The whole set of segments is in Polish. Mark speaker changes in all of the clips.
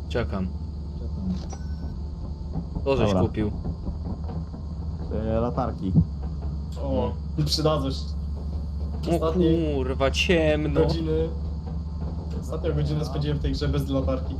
Speaker 1: Czekam. To żeś
Speaker 2: Dobra.
Speaker 1: kupił.
Speaker 2: Latarki.
Speaker 3: O, przydadzą się.
Speaker 1: O
Speaker 3: Ostatniej
Speaker 1: kurwa, ciemno.
Speaker 3: godziny... Ostatnią godzinę spędziłem w tej grze bez latarki.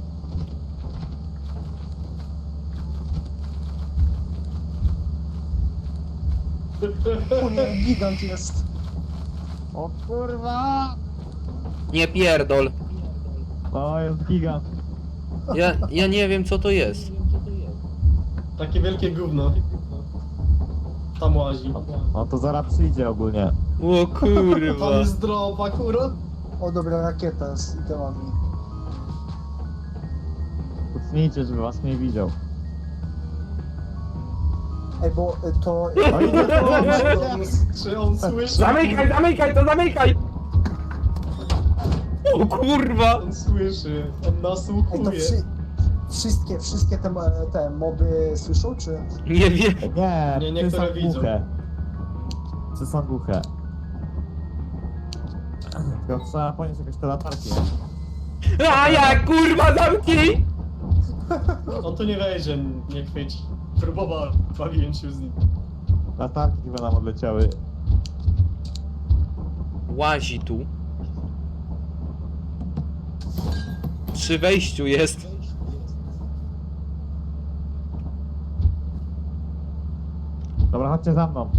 Speaker 4: O nie, gigant jest.
Speaker 2: O kurwa!
Speaker 1: Nie pierdol.
Speaker 2: O, jest gigant.
Speaker 1: Ja nie wiem co to jest.
Speaker 3: Takie wielkie gówno. Tam łazi.
Speaker 2: O, to zaraz przyjdzie ogólnie.
Speaker 1: O kurwa.
Speaker 3: Tam jest drop akurat.
Speaker 4: O dobra, rakieta z itemami.
Speaker 2: Kucnijcie, żeby was nie widział.
Speaker 4: Ej, bo to...
Speaker 2: O, idzie
Speaker 3: Czy on słyszy?
Speaker 1: Zamykaj, to zamykaj! O kurwa!
Speaker 3: On słyszy. On
Speaker 4: Ej, to
Speaker 3: nasłuchuje.
Speaker 4: wszystkie te moby słyszą, czy...
Speaker 1: Nie wiem.
Speaker 2: Nie,
Speaker 3: Nie,
Speaker 2: psy
Speaker 3: niektóre
Speaker 2: są
Speaker 3: widzą.
Speaker 2: głuche. Psy są głuche. Tylko trzeba ponieść jakieś te latarki.
Speaker 1: A ja kurwa zamknij!
Speaker 3: On tu nie wejdzie, nie chwyci. Próbowałem, bawiłem się z nim.
Speaker 2: Latarki chyba nam odleciały.
Speaker 1: Łazi tu. Przy wejściu jest.
Speaker 2: Dobra, chodźcie za mną.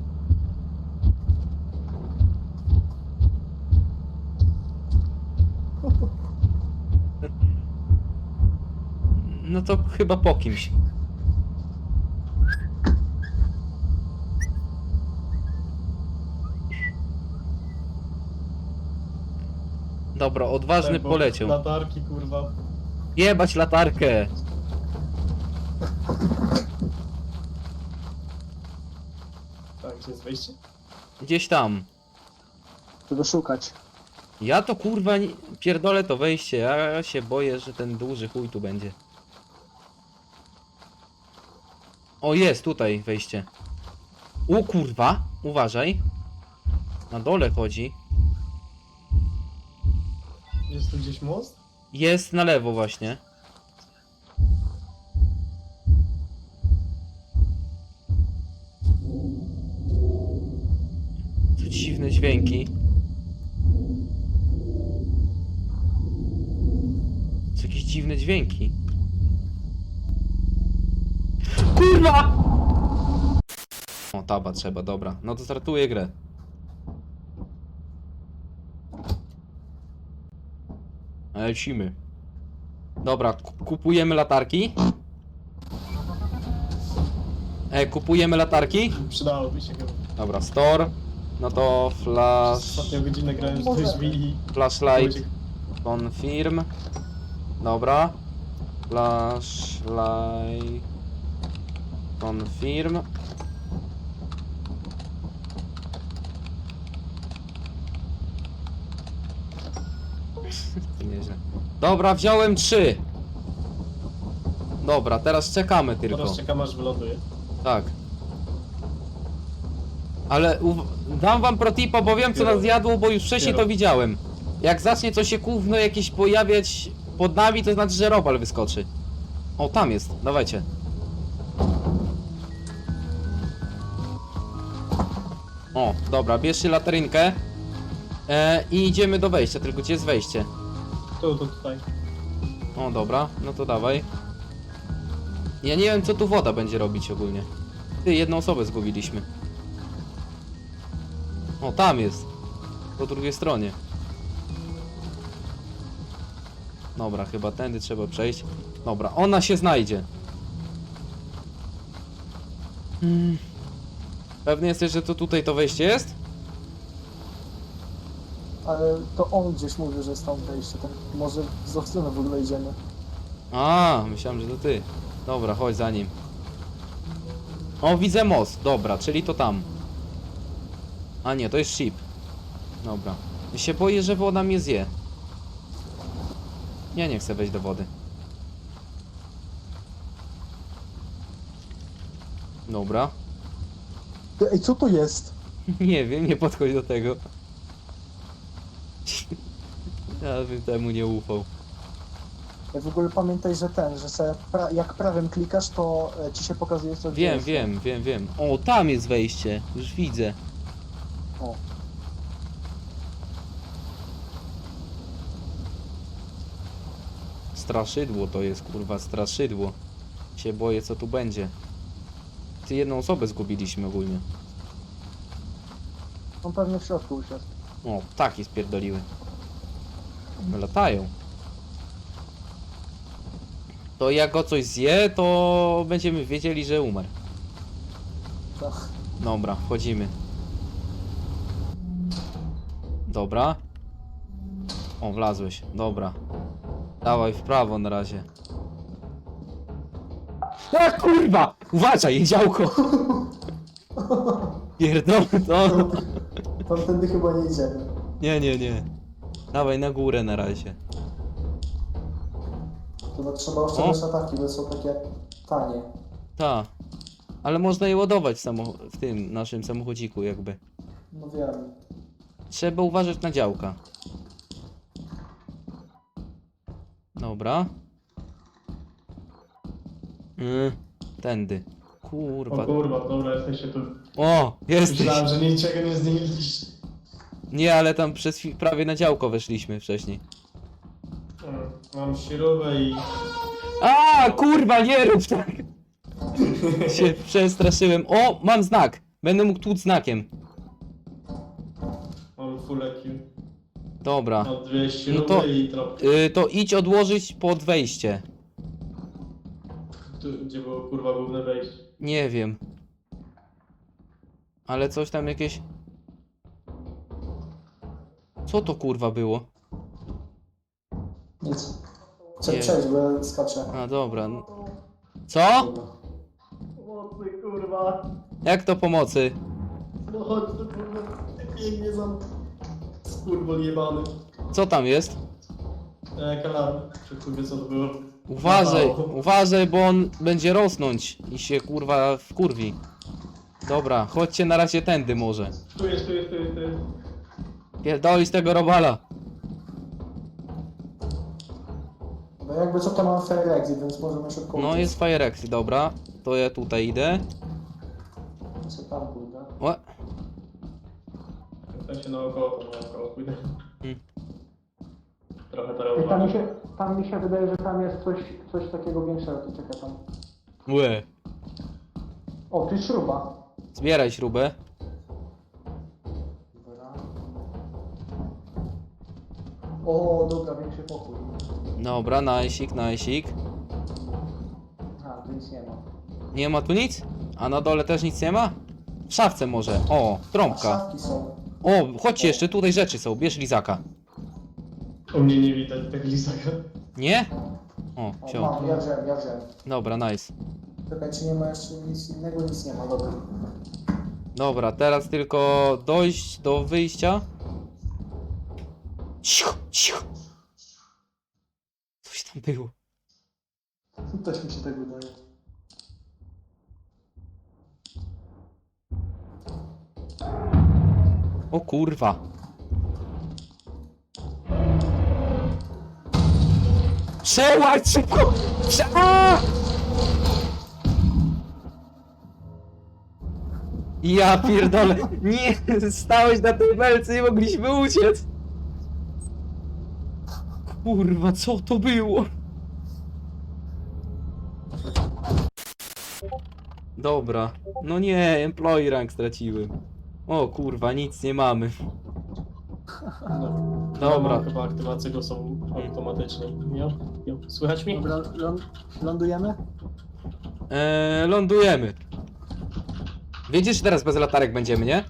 Speaker 1: No to chyba po kimś. Dobra, odważny
Speaker 3: Bo
Speaker 1: poleciał.
Speaker 3: Latarki, kurwa.
Speaker 1: Jebać latarkę.
Speaker 3: Tak, gdzie jest wejście?
Speaker 1: Gdzieś tam.
Speaker 4: Czego szukać?
Speaker 1: Ja to kurwa pierdolę to wejście. Ja się boję, że ten duży chuj tu będzie. O, jest tutaj wejście. O kurwa, uważaj. Na dole chodzi.
Speaker 3: Jest tu gdzieś most?
Speaker 1: Jest na lewo właśnie. Co dziwne dźwięki. Co jakieś dziwne dźwięki. Kurwa! O, taba trzeba, dobra. No to startuję grę. Lecimy. Dobra, kupujemy latarki. Kupujemy latarki.
Speaker 3: Przydałoby się chyba.
Speaker 1: Dobra, store. No to
Speaker 3: Ostatnią godzinę grałem z drzwi i...
Speaker 1: flashlight confirm. Dobra. Flashlight confirm. Nieźle. Dobra, wziąłem 3. Dobra, teraz czekamy tylko.
Speaker 3: Teraz czekam aż wyląduje.
Speaker 1: Tak. Ale dam wam protipa, bo wiem co nas zjadło, bo już wcześniej to widziałem. Jak zacznie coś się gówno jakieś pojawiać pod nami, to znaczy, że robal wyskoczy. O, tam jest, dawajcie. O, dobra, bierzcie latarynkę. I idziemy do wejścia, tylko gdzie jest wejście?
Speaker 3: Tutaj.
Speaker 1: O, dobra, no to dawaj. Ja nie wiem co tu woda będzie robić ogólnie. Ty, jedną osobę zgubiliśmy. O, tam jest. Po drugiej stronie. Dobra, chyba tędy trzeba przejść. Dobra, ona się znajdzie. Pewny jesteś, że to tutaj to wejście jest?
Speaker 4: Ale to on gdzieś mówi, że jest tam wejście, to może w złą stronę w ogóle idziemy.
Speaker 1: A, myślałem, że to ty. Dobra, chodź za nim. O, widzę most. Dobra, czyli to tam. A nie, to jest ship. Dobra. Ja się boję, że woda mnie zje. Ja nie chcę wejść do wody. Dobra.
Speaker 4: Ej, co to jest?
Speaker 1: Nie wiem, nie podchodź do tego. Ja bym temu nie ufał.
Speaker 4: W ogóle pamiętaj, że że sobie jak prawym klikasz, to ci się pokazuje co
Speaker 1: Wiem,
Speaker 4: gdzie jest.
Speaker 1: wiem. O, tam jest wejście. Już widzę.
Speaker 4: O.
Speaker 1: Straszydło to jest, kurwa, straszydło. Się boję, co tu będzie. Ty, jedną osobę zgubiliśmy ogólnie.
Speaker 4: On pewnie w środku usiadł.
Speaker 1: O, ptaki spierdoliły. Latają. To jak go coś zje, to będziemy wiedzieli, że umarł.
Speaker 4: Tak.
Speaker 1: Dobra, wchodzimy. Dobra. O, wlazłeś. Dobra. Dawaj w prawo na razie. A kurwa! Uważaj, działko! Pierdolę to.
Speaker 4: Tamtędy chyba nie idziemy.
Speaker 1: Nie. Dawaj na górę na razie.
Speaker 4: Chyba trzeba oszczędzać ataki, bo są takie tanie.
Speaker 1: Ta. Ale można je ładować w tym naszym samochodziku jakby.
Speaker 4: No wiem.
Speaker 1: Trzeba uważać na działka. Dobra. Tędy. Kurwa.
Speaker 3: O kurwa, dobra, jesteście tu.
Speaker 1: O, jesteś.
Speaker 3: Myślałem, że niczego nie znaleźliście.
Speaker 1: Nie, ale tam prawie na działko weszliśmy wcześniej.
Speaker 3: Mam śrubę i...
Speaker 1: A, kurwa, nie rób tak. Się przestraszyłem. O, mam znak. Będę mógł tłuc znakiem.
Speaker 3: Mam full EQ.
Speaker 1: Dobra.
Speaker 3: Mam dwie śruby
Speaker 1: No to-
Speaker 3: i tropki.
Speaker 1: To idź odłożyć pod wejście.
Speaker 3: Tu, gdzie było kurwa główne wejście.
Speaker 1: Nie wiem. Ale coś tam jakieś... Co to kurwa było?
Speaker 4: Nic. Chcę
Speaker 1: Nie.
Speaker 4: przejść, bo ja skaczę.
Speaker 1: A, dobra. Co?
Speaker 4: Dobra.
Speaker 3: Pomocy kurwa.
Speaker 1: Jak to pomocy?
Speaker 3: No chodź tu kurwa. Ty biegnie za... Skurwol jebany.
Speaker 1: Co tam jest?
Speaker 3: Kalarm. Czy kurwa co to było?
Speaker 1: Uważaj,
Speaker 3: Mało.
Speaker 1: uważaj, bo on będzie rosnąć i się kurwa wkurwi. Dobra, chodźcie na razie tędy może.
Speaker 3: Tu jest.
Speaker 1: Pierdolić tego robala.
Speaker 4: Bo jakby co to mam fair exit, więc możemy szybko
Speaker 1: No
Speaker 4: uciec.
Speaker 1: jest Fire Exit, dobra. To ja tutaj idę.
Speaker 4: Co tam kurde?
Speaker 1: O,
Speaker 3: W sensie naokoło, to naokoło pójdę.
Speaker 1: Hmm.
Speaker 3: Trochę teraz
Speaker 4: Tam mi się wydaje, że tam jest coś takiego większego, to czekaj tam.
Speaker 1: łe.
Speaker 4: O, tu jest śruba.
Speaker 1: Zbieraj śrubę.
Speaker 4: Dobra. O, dobra, większy pokój.
Speaker 1: Dobra, najsik.
Speaker 4: A, tu nic nie ma.
Speaker 1: Nie ma tu nic? A na dole też nic nie ma? W szafce może. O,
Speaker 4: A
Speaker 1: trąbka.
Speaker 4: szafki są.
Speaker 1: O, chodźcie jeszcze, tutaj rzeczy są. Bierz lizaka.
Speaker 3: U mnie nie widać tak lizaka.
Speaker 1: Nie? O,
Speaker 4: O,
Speaker 1: wziął.
Speaker 4: mam, ja wziąłem.
Speaker 1: Dobra, nice.
Speaker 4: Czekaj, czy nie ma jeszcze nic innego? Nic nie ma, dobra.
Speaker 1: Dobra, teraz tylko dojść do wyjścia. Cicho. Coś tam było.
Speaker 4: Też mi się tak wydaje.
Speaker 1: O kurwa. Przełać szybko! A! Ja pierdolę. Nie, stałeś na tej belce, nie mogliśmy uciec. Kurwa, co to było? Dobra. No nie, employee rank straciłem. O kurwa, nic nie mamy. Dobra.
Speaker 3: Mam chyba aktywacje go są automatyczne. Jo. Słychać mnie?
Speaker 4: Dobra, lądujemy?
Speaker 1: Lądujemy. Wiecie, że teraz bez latarek będziemy, nie?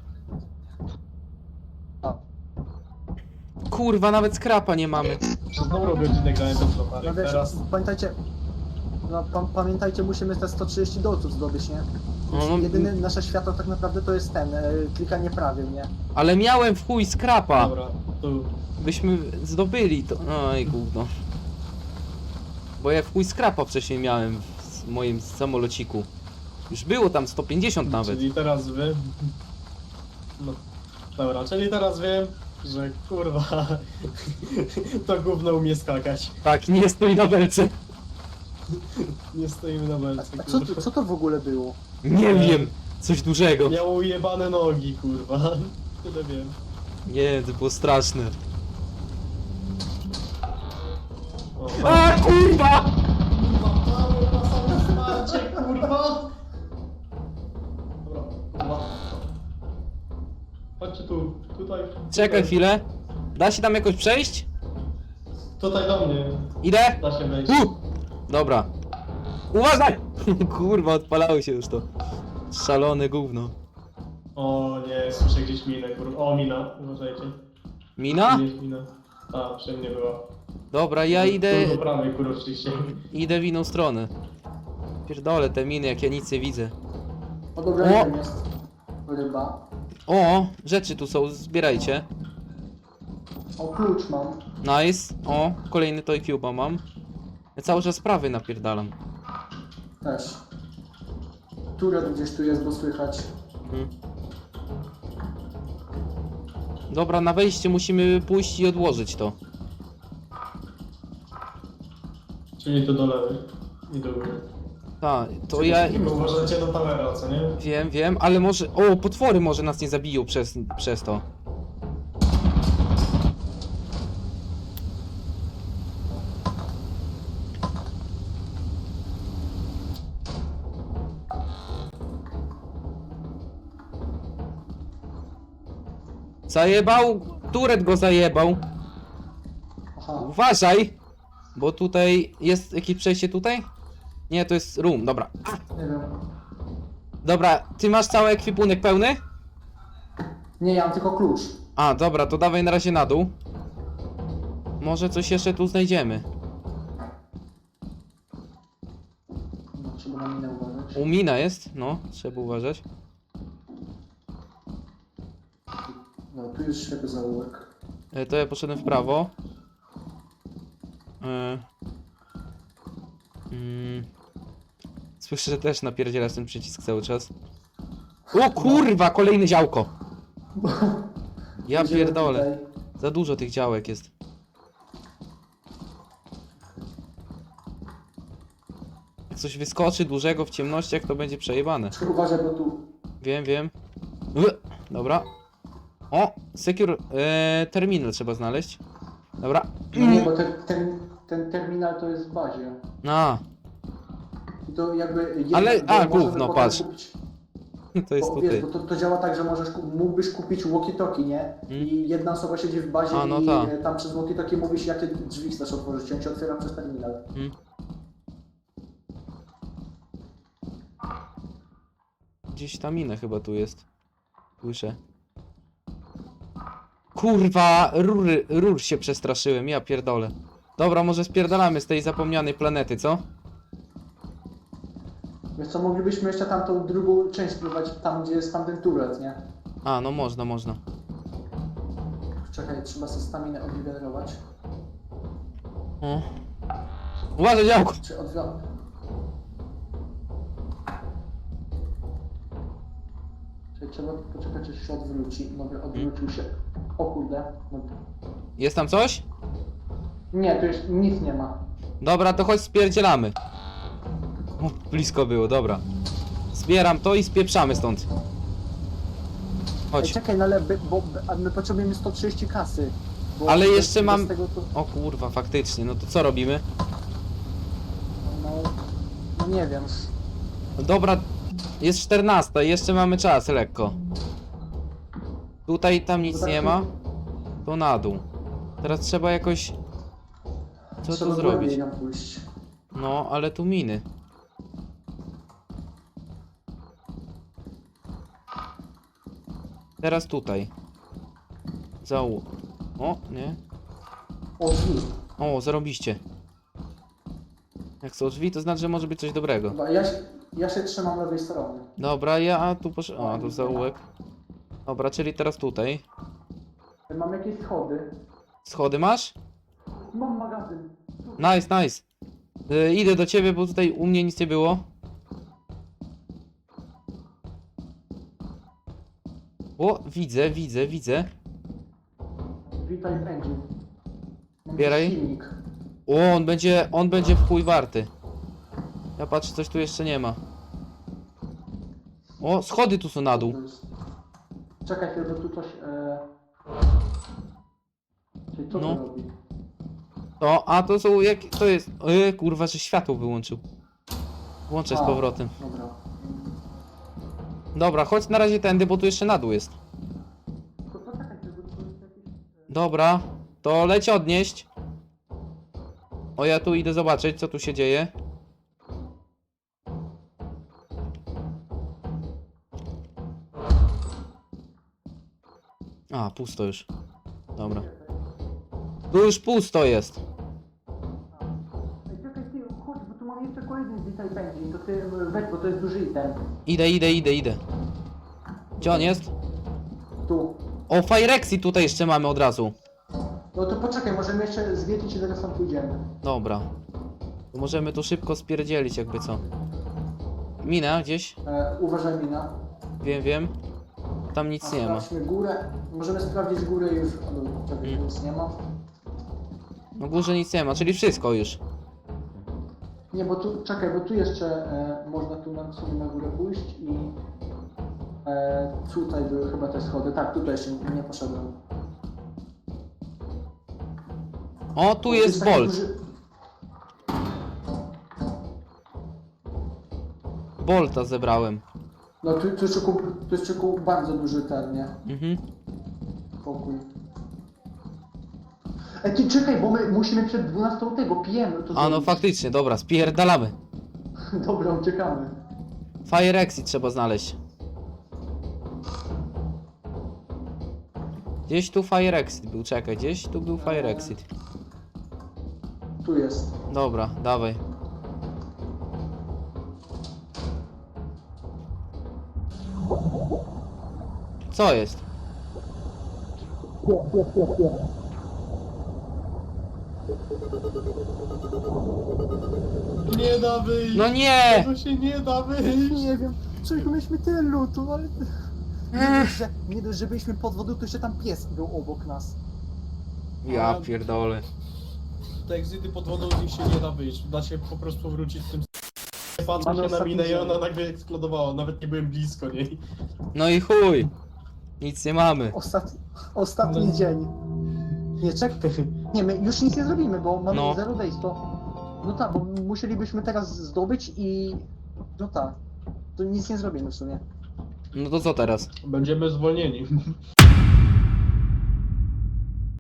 Speaker 4: A.
Speaker 1: Kurwa, nawet skrapa nie mamy.
Speaker 3: Przez dobrą godzinę grałem bez
Speaker 4: No
Speaker 3: latarek.
Speaker 4: wiesz,
Speaker 3: Teraz
Speaker 4: pamiętajcie, pamiętajcie, musimy te 130 dolców zdobyć, nie?
Speaker 1: No,
Speaker 4: Jedyne nasze światło tak naprawdę to jest klikanie prawie, nie?
Speaker 1: ale miałem w chuj skrapa.
Speaker 3: dobra, tu.
Speaker 1: Byśmy zdobyli to. Oj, gówno. Bo ja w chuj skrapa wcześniej miałem w moim samolociku. Już było tam 150 nawet.
Speaker 3: Czyli teraz wiem. No. Dobra, czyli teraz wiem, że kurwa, to gówno umie skakać.
Speaker 1: Tak, nie stoi na belce.
Speaker 3: Nie stoimy na belce,
Speaker 4: A co,
Speaker 3: kurwa.
Speaker 4: co to w ogóle było?
Speaker 1: Nie wiem, coś dużego.
Speaker 3: Miało ujebane nogi, kurwa. Tyle wiem.
Speaker 1: Nie, to było straszne.
Speaker 3: O,
Speaker 1: A kurwa!
Speaker 3: na same wsparcie, kurwa! Dobra, kurwa. Chodźcie tu, tutaj.
Speaker 1: Czekaj
Speaker 3: tutaj.
Speaker 1: chwilę. Da się tam jakoś przejść?
Speaker 3: Tutaj do mnie.
Speaker 1: Idę?
Speaker 3: Da się wejść.
Speaker 1: Dobra. Uważaj! Kurwa, odpalało się już to. Szalone gówno.
Speaker 3: O nie, słyszę gdzieś minę, kurwa. O, mina, uważajcie.
Speaker 1: Mina?
Speaker 3: Gdzieś mina. A, przy mnie była.
Speaker 1: Dobra, ja
Speaker 3: Tu
Speaker 1: idę...
Speaker 3: do prawej, kurwa, oczywiście.
Speaker 1: Idę w inną stronę. Pierdolę te miny, jak ja nic nie widzę.
Speaker 4: O dobra,
Speaker 1: O!
Speaker 4: tam jest ryba.
Speaker 1: O, rzeczy tu są, zbierajcie.
Speaker 4: O, klucz mam.
Speaker 1: Nice. O, kolejny Toy Cube'a mam. Ja cały czas prawy napierdalam.
Speaker 4: Też. Turet gdzieś tu jest, bo słychać.
Speaker 1: Mhm. Dobra, na wejście musimy pójść i odłożyć to.
Speaker 3: Czyli to do lewej. I do góry.
Speaker 1: Tak, to ja...
Speaker 3: Uważajcie do towera, co nie?
Speaker 1: Wiem, ale może... O, potwory może nas nie zabiją przez to. Zajebał! Turet go zajebał!
Speaker 4: Aha.
Speaker 1: Uważaj! Bo tutaj jest jakieś przejście tutaj? Nie, to jest room, dobra.
Speaker 4: Nie wiem.
Speaker 1: Dobra, ty masz cały ekwipunek pełny?
Speaker 4: Nie, ja mam tylko klucz.
Speaker 1: A, dobra, to dawaj na razie na dół. Może coś jeszcze tu znajdziemy.
Speaker 4: No, trzeba na minę uważać.
Speaker 1: U mina jest, no, trzeba uważać.
Speaker 4: No, tu jest ślepy zaułek.
Speaker 1: To ja poszedłem w prawo. E, Słyszę, że też napierdzielasz ten przycisk cały czas. O kurwa, kolejne działko! Ja
Speaker 4: Idziemy
Speaker 1: pierdolę.
Speaker 4: tutaj.
Speaker 1: Za dużo tych działek jest. Jak coś wyskoczy dużego w ciemnościach, to będzie przejebane.
Speaker 4: Tylko uważaj, bo tu...
Speaker 1: Wiem. Dobra. O, secure terminal trzeba znaleźć. Dobra.
Speaker 4: No nie, bo ten terminal to jest w bazie.
Speaker 1: A,
Speaker 4: I to jakby...
Speaker 1: Ale-
Speaker 4: bo
Speaker 1: a,
Speaker 4: możemy
Speaker 1: gówno,
Speaker 4: potem
Speaker 1: patrz.
Speaker 4: Kupić,
Speaker 1: to jest
Speaker 4: bo, wiesz,
Speaker 1: tutaj.
Speaker 4: bo to działa tak, że mógłbyś kupić walkie-talkie, nie? I jedna osoba siedzi w bazie
Speaker 1: A, no
Speaker 4: i
Speaker 1: tak.
Speaker 4: tam przez walkie-talkie mówisz, jakie drzwi chcesz otworzyć. On ci otwiera przez terminal.
Speaker 1: Gdzieś ta mina chyba tu jest. Słyszę. Kurwa, rur się przestraszyłem, ja pierdolę. Dobra, może spierdalamy z tej zapomnianej planety, co?
Speaker 4: Wiesz co, moglibyśmy jeszcze tamtą drugą część spróbować, tam gdzie jest tamten turret, nie?
Speaker 1: A, no można.
Speaker 4: Czekaj, trzeba sobie staminę odgenerować.
Speaker 1: O. Uważaj, działko!
Speaker 4: Czy odwrotnie? Czyli trzeba poczekać, aż się odwróci. Dobra, odwrócił się. O kurde. No.
Speaker 1: Jest tam coś?
Speaker 4: Nie, tu już nic nie ma.
Speaker 1: Dobra, to chodź spierdzielamy. O, blisko było, dobra. Zbieram to i spieprzamy stąd.
Speaker 4: Ej,
Speaker 1: Chodź.
Speaker 4: czekaj, no ale a my potrzebujemy 130 kasy. Bo
Speaker 1: Ale
Speaker 4: bez-
Speaker 1: jeszcze
Speaker 4: bez
Speaker 1: mam-
Speaker 4: Tego to,
Speaker 1: O kurwa, faktycznie, no to co robimy?
Speaker 4: no nie wiem.
Speaker 1: Dobra, jest 14, jeszcze mamy czas, lekko. Tutaj, tam nic nie ma. To na dół. Teraz trzeba jakoś... Co
Speaker 4: Trzeba
Speaker 1: tu zrobić?
Speaker 4: głębiej nam pójść.
Speaker 1: No, ale tu miny. Teraz tutaj. O, nie.
Speaker 4: O, drzwi.
Speaker 1: O, zarobiście. Jak są drzwi, to znaczy, że może być coś dobrego.
Speaker 4: Dobra, ja się trzymam lewej strony.
Speaker 1: Dobra, ja tu poszedłem. O, tu zaułek. Dobra, czyli teraz tutaj.
Speaker 4: Mam jakieś schody.
Speaker 1: Schody masz?
Speaker 4: Mam magazyn.
Speaker 1: Nice. Idę do ciebie, bo tutaj u mnie nic nie było. O, widzę.
Speaker 4: V-Type Engine. Mam
Speaker 1: Bieraj.
Speaker 4: silnik.
Speaker 1: O, on będzie w chuj warty. Ja patrzę, coś tu jeszcze nie ma. O, schody tu są na dół.
Speaker 4: Czekaj chwilę, bo tu coś... Czyli co
Speaker 1: No.
Speaker 4: to robi?
Speaker 1: To są jak... To jest... kurwa, że światło wyłączył. Włączę z
Speaker 4: A.
Speaker 1: powrotem.
Speaker 4: Dobra.
Speaker 1: Dobra, chodź na razie tędy, bo tu jeszcze na dół jest.
Speaker 4: To poczekaj chwilę, bo tu jest jakiś...
Speaker 1: Dobra, to leć odnieść. O, ja tu idę zobaczyć, co tu się dzieje. A, pusto już. Dobra. Tu już pusto jest.
Speaker 4: Ej, czekaj ty, chodź, bo tu mam jeszcze kolejny V-Type Engine, to ty weź, bo to jest duży item.
Speaker 1: Idę. Gdzie on jest?
Speaker 4: Tu.
Speaker 1: O, Firexi tutaj jeszcze mamy od razu.
Speaker 4: No to poczekaj, możemy jeszcze zwiedzić i zaraz tam pójdziemy.
Speaker 1: Dobra. To możemy tu szybko spierdzielić, jakby co. Mina gdzieś?
Speaker 4: Uważaj mina.
Speaker 1: Wiem. Tam nic nie ma.
Speaker 4: Sprawdźmy górę. Możemy sprawdzić górę już. O, czekaj, nic nie ma.
Speaker 1: Na górze nic nie ma, czyli wszystko już.
Speaker 4: Nie, bo tu, czekaj, bo tu jeszcze można tu na, sobie na górę pójść i tutaj były chyba te schody. Tak, tutaj jeszcze nie poszedłem.
Speaker 1: O, tu jest
Speaker 4: taki
Speaker 1: Bolt.
Speaker 4: duży-
Speaker 1: Bolta zebrałem.
Speaker 4: No tu jeszcze bardzo duży ten, nie?
Speaker 1: Mhm.
Speaker 4: Pokój. Ej, ty czekaj, bo my musimy przed 12 tego pijemy. To
Speaker 1: A no
Speaker 4: zrobić.
Speaker 1: faktycznie, dobra, spierdalamy.
Speaker 4: Dobra, uciekamy.
Speaker 1: Fire Exit trzeba znaleźć. Gdzieś tu Fire Exit był, czekaj, gdzieś tu był Fire Exit.
Speaker 4: Tu jest.
Speaker 1: Dobra, dawaj. Co jest?
Speaker 3: Nie da wyjść!
Speaker 1: No nie!
Speaker 3: To się nie da wyjść!
Speaker 5: Nie wiem, czego mieliśmy tyle lutu, ale... Nie dość, że byliśmy pod wodą, to jeszcze tam pies był obok nas.
Speaker 1: Ja pierdolę.
Speaker 3: Te egzyty pod wodą z nich się nie da wyjść. Da się po prostu wrócić tym. Patrzę
Speaker 4: Mamy
Speaker 3: się na
Speaker 4: ostatni
Speaker 3: minę i
Speaker 4: dzień.
Speaker 3: ona nagle eksplodowała. Nawet nie byłem blisko niej.
Speaker 1: No i chuj. Nic nie mamy.
Speaker 5: Ostatni
Speaker 3: No.
Speaker 5: dzień. Nie, czekaj chwilę. Nie, my już nic nie zrobimy, bo mamy
Speaker 1: No.
Speaker 5: 0 days, to... No tak, bo musielibyśmy teraz zdobyć i... No tak. To nic nie zrobimy w sumie.
Speaker 1: No to co teraz?
Speaker 3: Będziemy zwolnieni.